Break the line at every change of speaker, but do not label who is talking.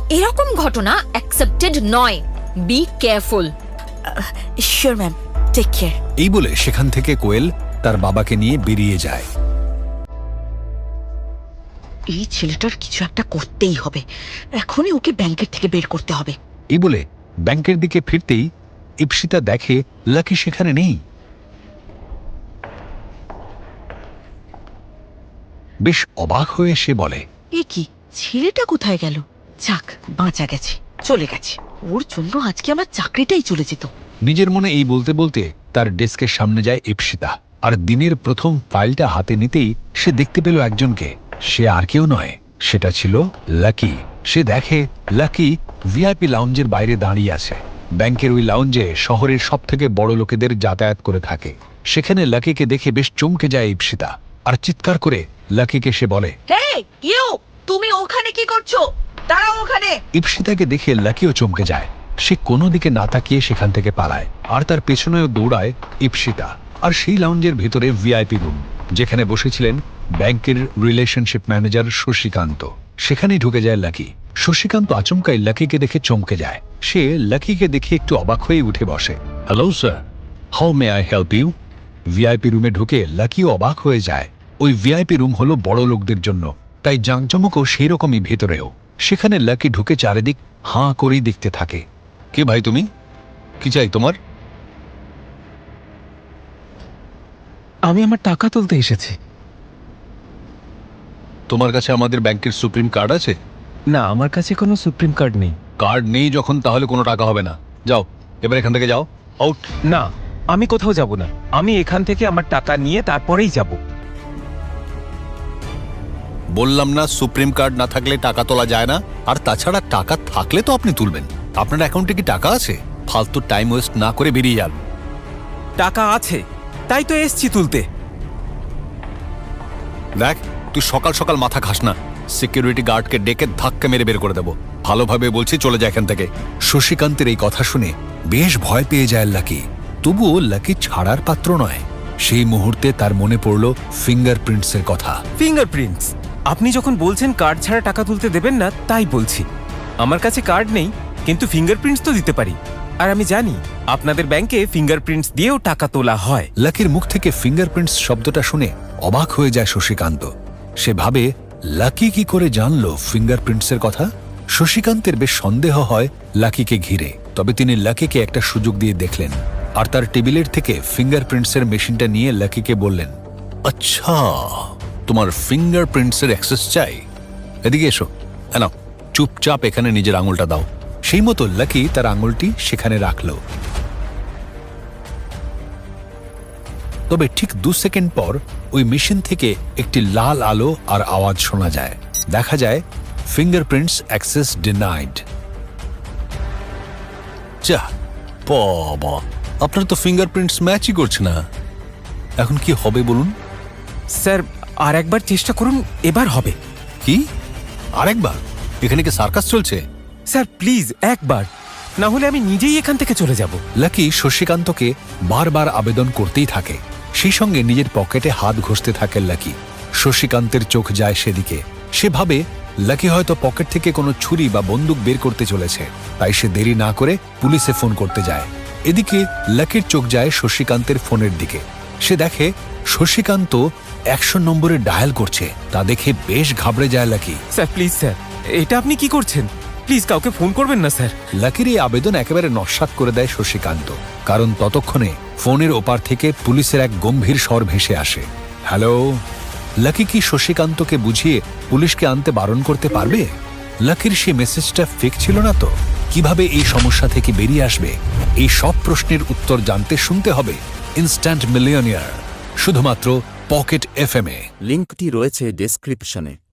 এরকম ঘটনা অ্যাকসেপ্টেড নয়। Be careful.
Sure ma'am, take care.
এই বলে সেখান থেকে কোয়েল তার বাবাকে নিয়ে বেরিয়ে যায়।
এই ছেলেটার কিছু একটা করতেই হবে, এখনই ওকে ব্যাংকের থেকে বের করতে হবে।
এই বলে ব্যাংকের দিকে ফিরতেই ইপসিতা দেখে লাকি সেখানে নেই। বেশ অবাক হয়ে সে বলে,
এ কি, ছেলেটা কোথায় গেল? যাক, বাঁচা গেছে, চলে গেছে। ওর জন্য আজকে আমার চাকরিটাই চলে যেত।
নিজের মনে এই বলতে বলতে তার ডেস্কের সামনে যায় ইপসিতা। আর দিনের প্রথম ফাইলটা হাতে নিতেই সে দেখতে পেল একজনকে। সে আর কেউ নয়, সেটা ছিল লাকি। সে দেখে লাকি ভিআইপি লাউঞ্জের বাইরে দাঁড়িয়ে আছে। ব্যাংকের ওই লাউঞ্জে শহরের সব থেকে বড় লোকেদের যাতায়াত করে থাকে। সেখানে লাকিকে দেখে বেশ চমকে যায় ইপসিতা, আর চিৎকার করে লাকিকে সে বলে,
হেই ইউ, তুমি ওখানে কি করছো? দাঁড়াও ওখানে।
ইপসিতাকে দেখে লাকিও চমকে যায়। সে কোনো দিকে না তাকিয়ে সেখান থেকে পালায়, আর তার পেছনেও দৌড়ায় ইপসিতা। আর সেই লাউঞ্জের ভিতরে ভিআইপি রুম, যেখানে বসেছিলেন ব্যাংকের রিলেশনশিপ ম্যানেজার শশীকান্ত, সেখানেই ঢুকে যায় লাকি। শশীকান্ত আচমকাই লাকিকে দেখে চমকে যায়। সে লাকিকে দেখে একটু অবাক হয়ে উঠে বসে। Hello sir, how may I help you? VIP রুমে ঢুকে লাকিও অবাক হয়ে যায়। ওই ভিআইপি রুম হলো বড় লোকদের জন্য, তাই জাঁকজমকও সেই রকমই ভেতরেও। সেখানে লাকি ঢুকে চারিদিক হাঁ করেই দেখতে থাকে। কে ভাই তুমি? কি চাই তোমার?
আমি আমার টাকা তুলতে এসেছি।
তোমার কাছে আমাদের ব্যাংকের সুপ্রিম কার্ড আছে?
না, আমার কাছে কোনো সুপ্রিম কার্ড নেই।
কার্ড নেই যখন, তাহলে কোনো টাকা হবে না। যাও, এবার এখান থেকে যাও, আউট।
না, আমি কোথাও যাব না। আমি এখান থেকে আমার টাকা নিয়ে তারপরেই যাব।
বললাম না, সুপ্রিম কার্ড না থাকলে টাকা তোলা যায় না। আর তাছাড়া টাকা থাকলে তো আপনি তুলবেন। আপনার অ্যাকাউন্টে কি টাকা আছে? ফালতু টাইম ওয়েস্ট না করে বেরিয়ে যান।
টাকা আছে, তাই তো এসছি তুলতে।
দেখ, তুই সকাল সকাল মাথা খাস না। সিকিউরিটি গার্ডকে ডেকে ধাক্কা মেরে বের করে দেবো। ভালোভাবে বলছি, চলে যায় এখান থেকে। শশীকান্তের এই কথা শুনে বেশ ভয় পেয়ে যায় লাকি। তবুও লাকি ছাড়ার পাত্র নয়। সেই মুহূর্তে তার মনে পড়ল ফিঙ্গারপ্রিন্টসের কথা।
ফিঙ্গারপ্রিন্টস? আপনি যখন বলছেন কার্ড ছাড়া টাকা তুলতে দেবেন না, তাই বলছি। আমার কাছে কার্ড নেই, কিন্তু ফিঙ্গারপ্রিন্টস তো দিতে পারি। আর আমি জানি আপনাদের ব্যাংকে ফিঙ্গারপ্রিন্টস দিয়েও টাকা তোলা হয়।
লাকির মুখ থেকে ফিঙ্গারপ্রিন্টস শব্দটা শুনে অবাক হয়ে যায় শশীকান্ত। সে ভাবে, লাকি কি করে জানলো ফিঙ্গারপ্রিন্টসের কথা? শশীকান্তের বেশ সন্দেহ হয় লাকিকে ঘিরে। তবে তিনি লাকিকে একটা সুযোগ দিয়ে দেখলেন, আর তার টেবিলের থেকে ফিঙ্গারপ্রিন্টসের মেশিনটা নিয়ে লাকিকে বললেন, আচ্ছা, তোমার ফিঙ্গারপ্রিন্টসের অ্যাক্সেস চাই? এদিকে এসো, নাও, চুপচাপ এখানে নিজের আঙুলটা দাও। সেই মতো লাকি তার আঙুলটি সেখানে রাখল। তবে ঠিক 2 সেকেন্ড পর ওই মেশিন থেকে একটি লাল আলো আর আওয়াজ শোনা যায়। দেখা যায় ফিঙ্গারপ্রিন্টস অ্যাক্সেস ডিনাইড। যা বাবা, আপনার তো ফিঙ্গারপ্রিন্টস ম্যাচই করছে না। এখন কি হবে বলুন?
স্যার, আর একবার চেষ্টা করুন, এবার হবে।
কি আরেকবার? এখানে কি সার্কাস চলছে?
স্যার প্লিজ একবার, না হলে আমি নিজেই এখান থেকে চলে যাব।
লাকি শশীকান্তকে বারবার আবেদন করতেই থাকে। সেই সঙ্গে নিজের পকেটে হাত ঘষতে থাকে লাকি। শশীকান্তের চোখ যায় সেদিকে। সে ভাবে লাকি হয়তো পকেট থেকে কোনো ছুরি বা বন্দুক বের করতে চলেছে, তাই সে দেরি না করে পুলিশে ফোন করতে যায়। এদিকে লাকির চোখ যায় শশীকান্তের ফোনের দিকে। সে দেখে শশীকান্ত 100 নম্বরে ডায়াল করছে। তা দেখে বেশ ঘাবড়ে যায় লাকি।
স্যার প্লিজ স্যার, এটা আপনি কি করছেন? প্লিজ কাউকে ফোন করবেন না স্যার।
লাকির এই আবেদন একেবারে নস্যাৎ করে দেয় শশীকান্ত, কারণ ততক্ষণে ফোনের ওপার থেকে পুলিশের এক গম্ভীর স্বর ভেসে আসে। হ্যালো। লাকি কি শশীকান্তকে বুঝিয়ে পুলিশকে আনতে বারণ করতে পারবে? লাকির সে মেসেজটা ফেক ছিল না তো? কিভাবে এই সমস্যা থেকে বেরিয়ে আসবে? এই সব প্রশ্নের উত্তর জানতে শুনতে হবে ইনস্ট্যান্ট মিলিয়নিয়ার, শুধুমাত্র পকেট FM এ।
লিঙ্কটি রয়েছে ডেসক্রিপশনে।